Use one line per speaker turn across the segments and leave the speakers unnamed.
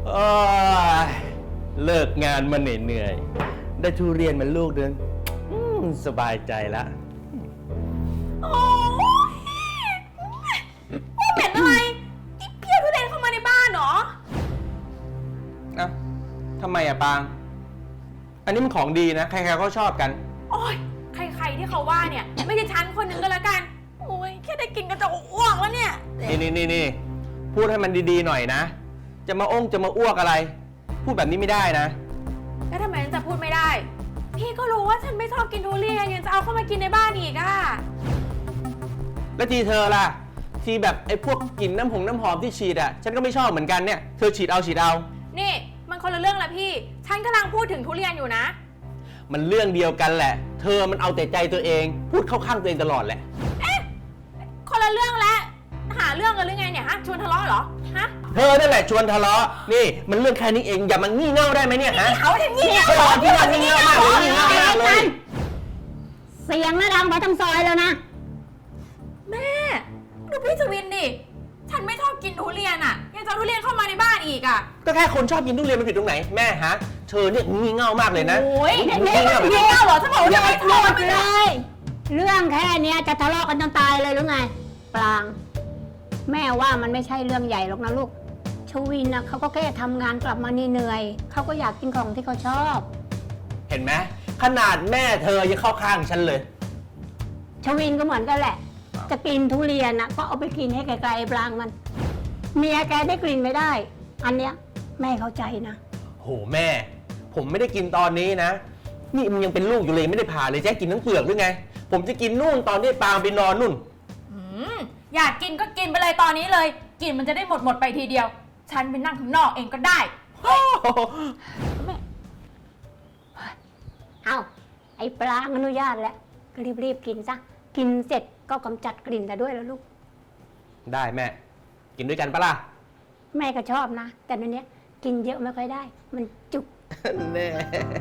โอ้ยเลิกงานมาเหนื่อยๆได้ทุเรียนมันลูกนึงสบายใจละ
โอ้ยเหม็นอะไรที่เพี้ยทุเรียนเข้ามาในบ้านเหรอ
อ่ะทำไมอะปางอันนี้มันของดีนะใครๆก็ชอบกัน
โอ้ยใครๆที่เขาว่าเนี่ยไม่ใช่ฉันคนหนึ่งก็แล้วกันโอ้ยแค่ได้กินก็จะอ้วกแล้วเนี่ย
นี่พูดให้มันดีๆหน่อยนะจะมาอ้วกอะไรพูดแบบนี้ไม่ได้นะ
แล้วทำไมฉันจะพูดไม่ได้พี่ก็รู้ว่าฉันไม่ชอบกินทุเรียนยังจะเอาเข้ามากินในบ้านอีกอะ
แล้วทีเธอล่ะทีแบบไอ้พวกกลิ่นน้ำหอมที่ฉีดอะฉันก็ไม่ชอบเหมือนกันเนี่ยเธอฉีดเอา
นี่มันคนละเรื่องละพี่ฉันกำลังพูดถึงทุเรียนอยู่นะ
มันเรื่องเดียวกันแหละเธอมันเอาแต่ใจตัวเองพูดเข้าข้างตัวเองตลอดแหละ
เอ๊ะคนละเรื่องแล้วหาเรื่องกันหรือไงเนี่ยฮะชวนทะเลาะเหรอฮะ
เธอนั่นแหละชวนทะเลาะนี่มันเรื่องแค่นี้เองอย่ามันงี่เง่าได้ไหมเนี่ยฮะ
เขาถึงงี่เง่า
ที่มันงี่เง่ามากเลยงี่เง่ามากเลย
เสียงน่าดังไปทั้งซอยแล้วนะ
แม่ดูพี่ชวินดิฉันไม่ชอบกินทุเรียนอ่ะยังจะทุเรียนเข้ามาในบ้านอีกอ่ะ
ก็แค่คนชอบกินทุเรียนมันผิดตรงไหนแม่ฮะเธอเนี่ยงี่เง่ามากเลยนะ
โอ้ยงี่เง่าเหรอฉันบอกว่าจะไม่ทอด
เลยเรื่องแค่นี้จะทะเลาะกันจนตายเลยหรือไงปรางแม่ว่ามันไม่ใช่เรื่องใหญ่หรอกนะลูกชวินนะเขาก็แค่ทำงานกลับมาเหนื่อยเขาก็อยากกินของที่เขาชอบ
เห็นไหมขนาดแม่เธอยังเข้าข้างฉันเลย
ชวินก็เหมือนกันแหละจะกินทุเรียนนะก็เอาไปกินให้ไกลๆปรางมันเมียแกได้กลิ่นไม่ได้อันเนี้ยแม่เข้าใจนะ
โหแม่ผมไม่ได้กินตอนนี้นะนี่มันยังเป็นลูกอยู่เลยไม่ได้ผ่าเลยจะกินทั้งเปลือกหรือไงผมจะกินนู่นตอนที่ปางไปนอนนู่น
อยากกินก็กินไปเลยตอนนี้เลยกินมันจะได้หมดไปทีเดียวฉันไปนั่งข้างนอกเองก็ได้
เอาไอ้ปลางอนุญาตแล้วก็รีบกินซะกินเสร็จก็กำจัดกลิ่นแต่ด้วยแล้วลูก
ได้แม่กินด้วยกันปะล่ะ
แม่ก็ชอบนะแต่ในนี้กินเยอะไม่ค่อยได้มันจุก
แม่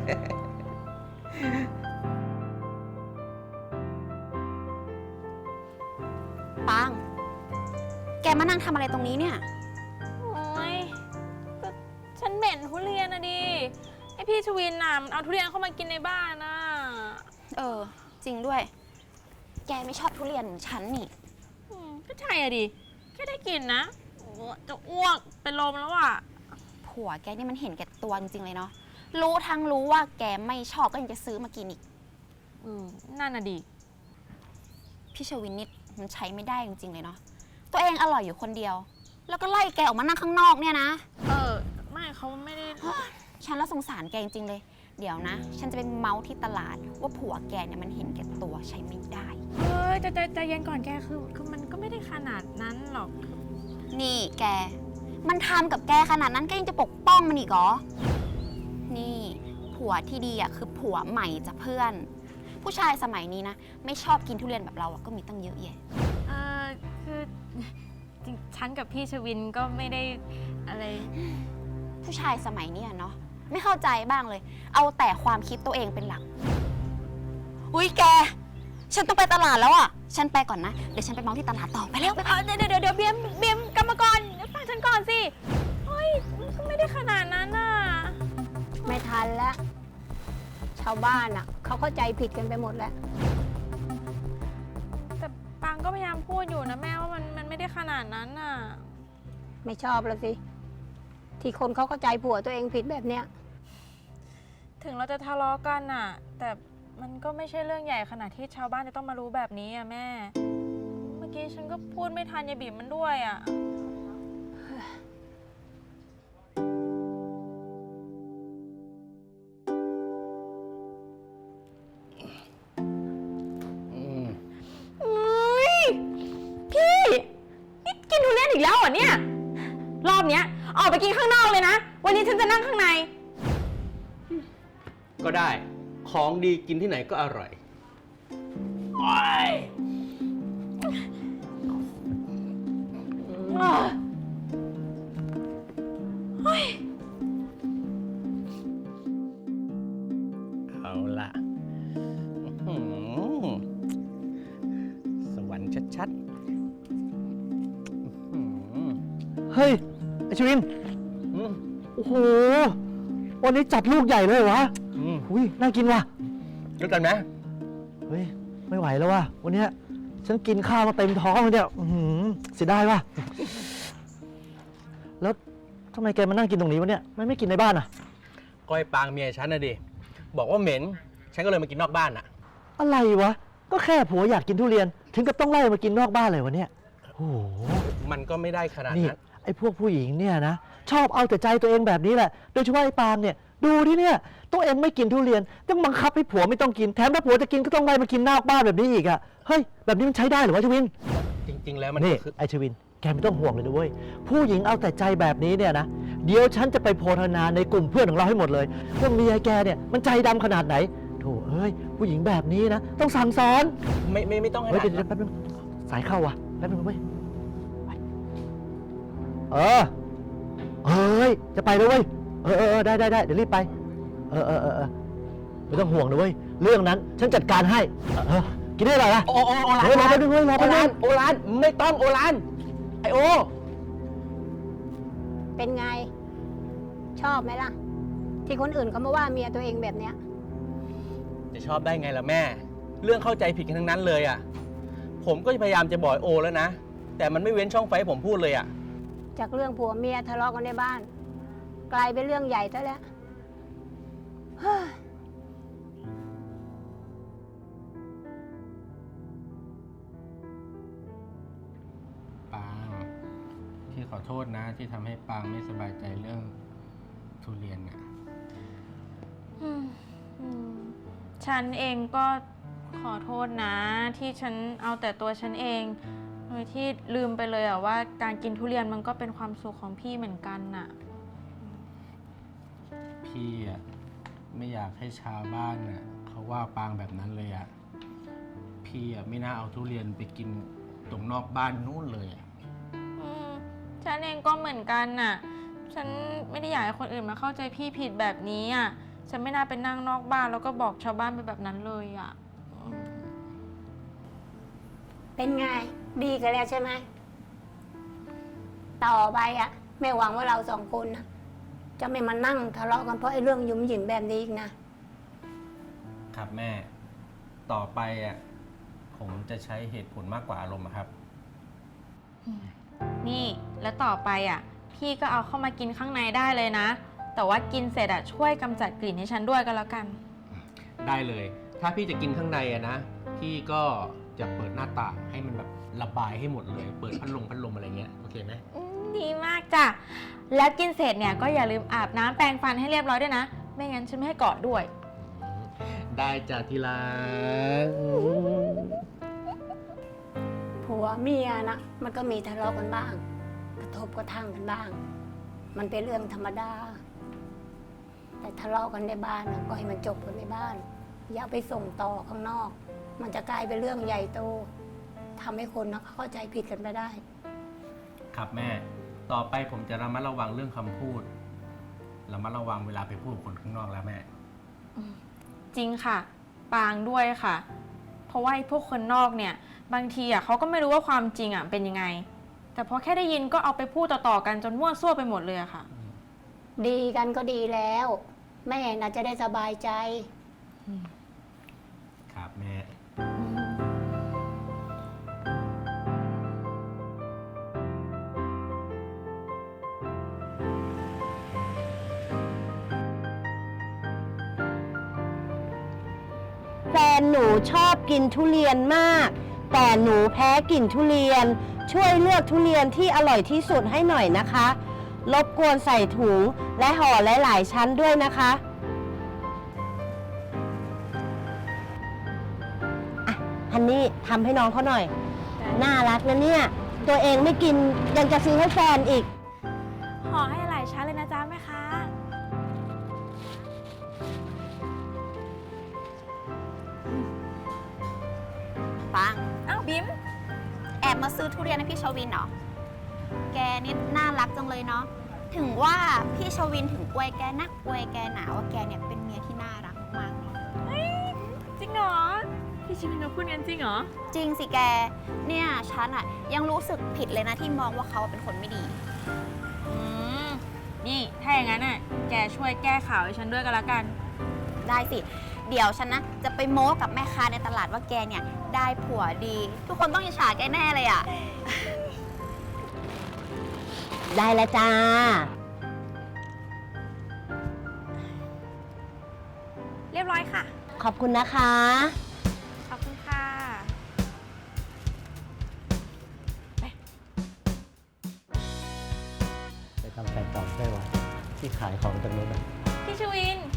ปางแกมานั่งทำอะไรตรงนี้เนี่ย
โอ้ยก็ฉันเหม็นทุเรียนนะดิไอพี่ชวินน่ะมันเอาทุเรียนเข้ามากินในบ้านน่ะ
จริงด้วยแกไม่ชอบทุเรียนเหมือนฉันนี่
ก็ใช่อะดิแค่ได้กินนะจะอ้วกเป็นลมแล้วอ่ะ
ผัวแกนี่มันเห็นแก่ตัวจริงๆเลยเนาะรู้ว่าแกไม่ชอบก็ยังจะซื้อมากินอีก
นั่นน่ะดิ
พี่ชวินนิดมันใช้ไม่ได้จริงๆเลยเนาะตัวเองอร่อยอยู่คนเดียวแล้วก็ไล่แกออกมานั่งข้างนอกเนี่ยนะ
ไม่เขาไม่ได้
ฉันละสงสารแกจริงๆเลยเดี๋ยวนะฉันจะเป็นเมาส์ที่ตลาดว่าผัวแกเนี่ยมันเห็นแก่ตัวใช้ไม่ได้
ใจเย็นก่อนแกคือมันก็ไม่ได้ขนาดนั้นหรอก
นี่แกมันทำกับแกขนาดนั้นแกยังจะปกป้องมันอีกเหรอนี่ผัวที่ดีอ่ะคือผัวใหม่จากเพื่อนผู้ชายสมัยนี้นะไม่ชอบกินทุเรียนแบบเราก็มีตั้งเยอะแยะ
คือจริงฉันกับพี่ชวินก็ไม่ได้อะไร
ผู้ชายสมัยนี้เนาะไม่เข้าใจบ้างเลยเอาแต่ความคิดตัวเองเป็นหลักอุ้ยแกฉันต้องไปตลาดแล้วอ่ะฉันไปก่อนนะเดี๋ยวฉันไปมองที่ตลาดต่อไปแล้ว
เดี๋ยวเบียมกรรมกรฟังฉันก่อนสิเฮ้ยมันก็ไม่ได้ขนาดนั้นน่ะ
ไม่ทันแล้วชาวบ้านอ่ะเขาเข้าใจผิดกันไปหมดแล้ว
แต่ปางก็พยายามพูดอยู่นะแม่ว่ามันไม่ได้ขนาดนั้นน่ะ
ไม่ชอบแล้วสิที่คนเขาเข้าใจผัวตัวเองผิดแบบเนี้ย
ถึงเราจะทะเลาะกันน่ะแต่มันก็ไม่ใช่เรื่องใหญ่ขนาดที่ชาวบ้านจะต้องมารู้แบบนี้อ่ะแม่เมื่อกี้ฉันก็พูดไม่ทันยายบิ่มมันด้วยอ่ะพี่นี่กินทุเรียนอีกแล้วเหรอเนี่ยรอบเนี้ยออกไปกินข้างนอกเลยนะวันนี้ฉันจะนั่งข้างใน
ก็ได้ของดีกินที่ไหนก็อร่อยเอาล่ะสวรรค์ชัดๆเฮ้ยไอชวิน
โอ้โห วันนี้จัดลูกใหญ่เลยวะ อุ้ยน่ากินว่ะ
รู้กันไหม
เฮ้ย ไม่ไหวแล้วว่ะ วันเนี้ยฉันกินข้าวมาเต็มท้องเลยเนี่ยเสียดายว่ะ แล้วทำไมแกมานั่งกินตรงนี้วะเนี่ย ไม่กินในบ้านอ่ะ
ก้อยปางเมียฉันนะดิ บอกว่าเหม็น ฉันก็เลยมากินนอกบ้านอ่ะ
อะไรวะ ก็แค่ผัวอยากกินทุเรียน ถึงกับต้องไล่มากินนอกบ้านเลยวะเนี่ย โอ้โห
มันก็ไม่ได้ขนาด
นี่
นั้น
ไอ้พวกผู้หญิงเนี่ยนะ ชอบเอาแต่ใจตัวเองแบบนี้แหละ โดยเฉพาะไอ้ปาล์มเนี่ย ดูที่เนี่ย ตัวเองไม่กินทุเรียน ต้องบังคับให้ผัวไม่ต้องกิน แถมถ้าผัวจะกินก็ต้องไล่มากินนอกบ้านแบบนี้อีกอะเฮ้ย แบบนี้มันใช้ได้เหรือวะชวิน
จริง ๆ แล้วมัน
นี่
ก็คือ
ไอ้ชวิน แกไม่ต้องห่วงเลยนะเว้ย ผู้หญิงเอาแต่ใจแบบนี้เนี่ยนะ เดี๋ยวฉันจะไปโพธนาในกลุ่มเพื่อนของเราให้หมดเลยว่าเมียแกเนี่ยมันใจดำขนาดไหนโถเอ้ย ผู้หญิงแบบนี้นะ ต้องสั่งสอน
ไม่ต้องให้
เฮ้ย
ได้
เดี๋ยวแป๊บนึงสายเข้าว่ะแป๊บนึงเว้ยไปเฮ้ย จะไปแล้วเว้ย ได้ เดี๋ยวรีบไป ไม่ต้องห่วงนะเว้ย เรื่องนั้นฉันจัดการให้ กินได้หรอล่ะ
โอราน
เฮ้ยรอแป๊บนึงเว้ยรอแป๊บนึง
โอรานไม่ต้องโอรานไอโอ
เป็นไง ชอบไหมล่ะ ที่คนอื่นเขามาว่าเมียตัวเองแบบเนี้ย
จะชอบได้ไงล่ะแม่ เรื่องเข้าใจผิดกันทั้งนั้นเลยอ่ะ ผมก็พยายามจะบอกโอแล้วนะ แต่มันไม่เว้นช่องไฟให้ผมพูดเลยอ่ะ
จากเรื่องผัวเมียทะเลาะกันในบ้าน กลายเป็นเรื่องใหญ่ซะแล้วเฮ้ย
ปางพี่ขอโทษนะที่ทำให้ปางไม่สบายใจเรื่องทุเรียนน่ะ
ฉันเองก็ขอโทษนะ ที่ฉันเอาแต่ตัวฉันเอง โดยที่ลืมไปเลยอะว่าการกินทุเรียนมันก็เป็นความสุขของพี่เหมือนกันน่ะ
พี่อ่ะไม่อยากให้ชาวบ้านน่ะเขาว่าปางแบบนั้นเลยอ่ะ พี่อ่ะไม่น่าเอาทุเรียนไปกินตรงนอกบ้านนู่นเลยอ่ะ
ฉันเองก็เหมือนกันน่ะ ฉันไม่ได้อยากให้คนอื่นมาเข้าใจพี่ผิดแบบนี้อ่ะ ฉันไม่น่าไปนั่งนอกบ้านแล้วก็บอกชาวบ้านไปแบบนั้นเลยอ่ะ
เป็นไง ดีกันแล้วใช่ไหม ต่อไปอะแม่หวังว่าเราสองคนนะจะไม่มานั่งทะเลาะกันเพราะไอ้เรื่องหยุ่มหยิมแบบนี้อีกนะ
ครับแม่ ต่อไปอ่ะผมจะใช้เหตุผลมากกว่าอารมณ์อะครับ
นี่แล้วต่อไปอ่ะ พี่ก็เอาเข้ามากินข้างในได้เลยนะ แต่ว่ากินเสร็จอ่ะช่วยกำจัดกลิ่นให้ฉันด้วยก็แล้วกัน
ได้เลย ถ้าพี่จะกินข้างในอะนะ พี่ก็จะเปิดหน้าต่างให้มันแบบระบายให้หมดเลย เปิดพัดลมอะไรเงี้ย โอเคไหม
ดีมากจ้ะ แล้วกินเสร็จเนี่ยก็อย่าลืมอาบน้ำแปรงฟันให้เรียบร้อยด้วยนะ ไม่งั้นฉันไม่ให้กอดด้วย
ได้จ้ะที่รัก
ผัวเมียนะมันก็มีทะเลาะกันบ้าง กระทบกระทั่งกันบ้าง มันเป็นเรื่องธรรมดา แต่ทะเลาะกันในบ้านนะก็ให้มันจบกันในบ้าน อย่าไปส่งต่อข้างนอก มันจะกลายเป็นเรื่องใหญ่โตทำให้คนนะเข้าใจผิดกันไปได้
ครับแม่ ต่อไปผมจะระมัดระวังเรื่องคำพูด ระมัดระวังเวลาไปพูดกับคนข้างนอกแล้วแม่
จริงค่ะ ปางด้วยค่ะ เพราะว่าไอ้พวกคนนอกเนี่ย บางทีอ่ะเขาก็ไม่รู้ว่าความจริงอ่ะเป็นยังไง แต่พอแค่ได้ยินก็เอาไปพูดต่อๆกันจนมั่วซั่วไปหมดเลยอะค่ะ
ดีกันก็ดีแล้ว แม่น่ะจะได้สบายใจ
ครับแม่
แฟนหนูชอบกินทุเรียนมาก แต่หนูแพ้กลิ่นทุเรียน ช่วยเลือกทุเรียนที่อร่อยที่สุดให้หน่อยนะคะ รบกวนใส่ถุงและห่อหลายๆชั้นด้วยนะคะอ่ะฮันนี่ทำให้น้องเขาหน่อย น่ารักนะเนี่ย ตัวเองไม่กินยังจะซื้อให้แฟนอีก
ห่อให้หลายชั้นเลยนะจ๊ะแม่ค้า
ปัง
อ้าวบิม
แอบมาซื้อทุเรียนให้พี่ชวินเหรอ แกนี่น่ารักจังเลยเนาะ ถึงว่าพี่ชวินถึงอวยแกนักอวยแกหนาว่าแกเนี่ยเป็นเมียที่น่ารักมากๆเลย
จริงเหรอ พี่ชิมินเขาพูดงั้นจริงเหรอ
จริงสิแก เนี่ยฉันอะยังรู้สึกผิดเลยนะที่มองว่าเขาเป็นคนไม่ดี
นี่ถ้าอย่างนั้นน่ะช่วยแก้ข่าวให้ฉันด้วยกันละกัน
ได้สิ เดี๋ยวฉันนะ จะไปโม้กับแม่ค้าในตลาดว่าแกเนี่ย ได้ผัวดี ทุกคนต้องอิจฉาแกแน่เลยอ่ะ
ได้แล้วจ้า
เรียบร้อยค่ะ
ขอบคุณนะคะ
ขอบคุณค่ะ
ไปทำแผนต่อได้วะที่ขายของตรงนู้นนะ
พี่ชวิน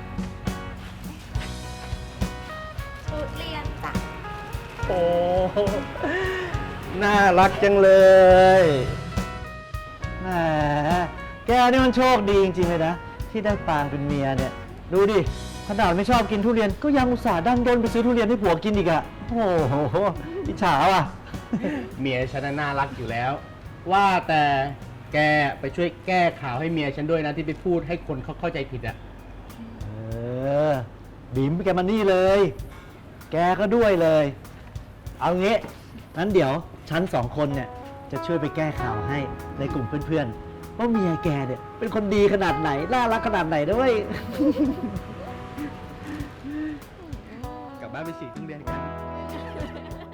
ทุเรียนจ้ะ
โอ้น่ารักจังเลย แหม แกนี่มันโชคดีจริงๆเลยนะ ที่ได้ปางเป็นเมียเนี่ย ดูดิ ขนาดไม่ชอบกินทุเรียน ก็ยังอุตส่าห์ดันด้นไปซื้อทุเรียนให้ผัวกินอีกอะโอ้โหอิจฉาว่ะ
เมียฉันน่ารักอยู่แล้ว ว่าแต่แกไปช่วยแก้ข่าวให้เมียฉันด้วยนะที่ไปพูดให้คนเขาเข้าใจผิดอะ
เออบิ๋มแกมานี่เลย แกก็ด้วยเลย เอางี้งั้นเดี๋ยวฉันสองคนเนี่ยจะช่วยไปแก้ข่าวให้ในกลุ่มเพื่อนๆว่าเมียแกเนี่ยเป็นคนดีขนาดไหน น่ารักขนาดไหนด้วย
กลับบ้านไปฉีดทุเรียนกัน